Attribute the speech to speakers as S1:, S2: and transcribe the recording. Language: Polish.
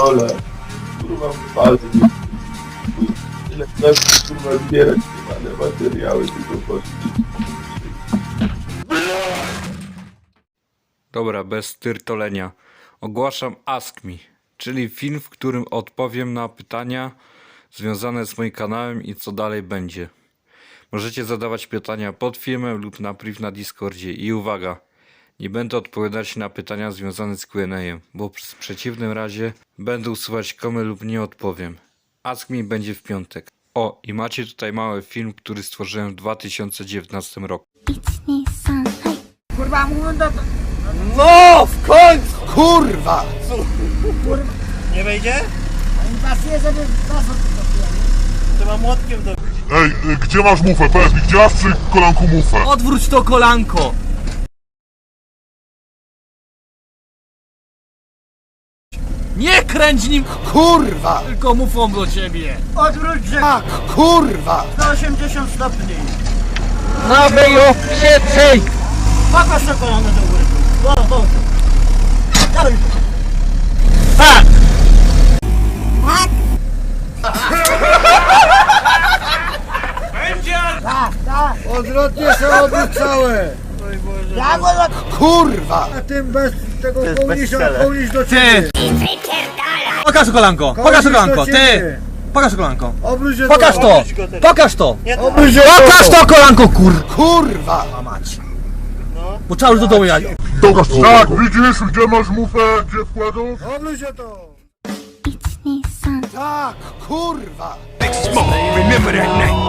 S1: pierdolę. Kurwa, wypadli. Ile chcesz, kurwa, zbierać te materiały, tylko poszli.
S2: Dobra, bez tyrtolenia. Ogłaszam Ask Me, czyli film, w którym odpowiem na pytania związane z moim kanałem i co dalej będzie. Możecie zadawać pytania pod filmem lub na priv na Discordzie. I uwaga, nie będę odpowiadać na pytania związane z Q&A, bo w przeciwnym razie będę usuwać komy lub nie odpowiem. Ask Me będzie w piątek. O, i macie tutaj mały film, który stworzyłem w 2019 roku.
S3: Kurwa, mówię do...
S4: No, w końcu! Kurwa! Nie wejdzie?
S3: Nie pasuje, żeby was
S4: Trzeba młotkiem do...
S5: Ej, gdzie masz mufę? Powiedz mi, gdzie masz przy kolanku mufę?
S4: Odwróć to kolanko! Nie kręć nim!
S3: Kurwa!
S4: Tylko mufą do ciebie!
S3: Odwróć się
S4: Tak, kurwa!
S3: 180 stopni.
S4: No wyju, przyj!
S3: Pokaż to kolano do góry. Do. Dawaj.
S4: Tak!
S3: Tak.
S6: Odwrotnie się odwrócałe!
S3: Ja go do...
S6: Kurwa! A tym bez tego kołnisz do ciebie!
S4: Pokaż to kolanko! Pokaż to kolanko! Ty! Pokaż to kolanko!
S6: Obróć się
S4: Pokaż to! Pokaż to!
S6: Obróć się
S4: Pokaż to kolanko,
S6: Kurwa!
S4: A mać! Bo trzeba już do domu jechać.
S5: Pokaż to. Tak, widzisz, gdzie masz mufę, gdzie wkładów?
S6: Obróć się to!
S3: 1, 2, 3
S6: Tak! Kurwa!
S7: Remember that night.